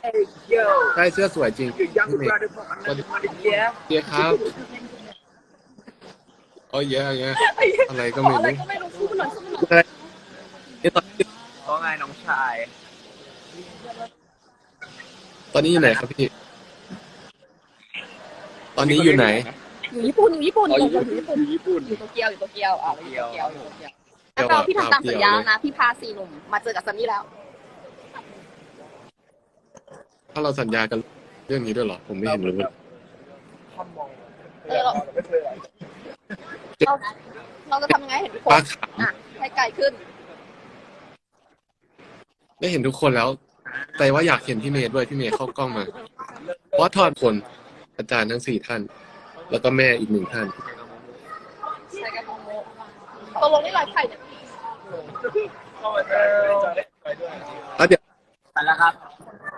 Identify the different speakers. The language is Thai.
Speaker 1: ใช่เสื้อสวยจริงพี่เมย์เจ๊ครับอ๋อเยอะเยอะอะไรก็ไม่
Speaker 2: อะไร
Speaker 1: รู้
Speaker 2: ก็ไม่รู้สู้หน่อยสู้หน่อย
Speaker 1: อะไรนี่
Speaker 3: เพราะไงน้องชาย
Speaker 1: ตอนนี้อยู่ไหนครับพี่ตอนนี้อยู่ไหน
Speaker 2: อยู่ญี่ปุ่นอยู่ญี่ปุ่น
Speaker 3: อ๋อ
Speaker 2: อ
Speaker 3: อยู่
Speaker 2: ยู่ญี่ปุ่น
Speaker 3: ญี่ปุ่น
Speaker 2: อยู่โตเกียวอยู่โตเกียวอยู่โตเกียวอยู่โตเกียว
Speaker 1: เดี๋
Speaker 2: แล้
Speaker 1: ยว ว
Speaker 2: ก็พี่ทำตามสัญญา
Speaker 1: เดี๋ยว
Speaker 2: นะพี่พา4 หนุ่มมาเจอกับซันนี่แล้ว
Speaker 1: ถ้าเราสัญญากันเรื่องนี้ด้วยเหรอผมไม่เห็นรู้เลย
Speaker 2: เราเราจะทำยังไงเห็นทุกคน
Speaker 1: ป้าข
Speaker 2: อ่ะให้ไกลขึ้น
Speaker 1: ำได้เห็นทุกคนแล้ว แต่ว่าอยากเห็นพี่เมย์ด้วยพี่เมย์เข้ากล้องมา เพราะทอดคนอาจารย์ทั้ง4 ท่าน แล้วก็แม่อีก1 ท่าน
Speaker 2: ใช่กันตกลงนี่ไลฟ์ใครเนี่ย
Speaker 1: แล้วเดี๋ยว
Speaker 3: ไปแล้วครับ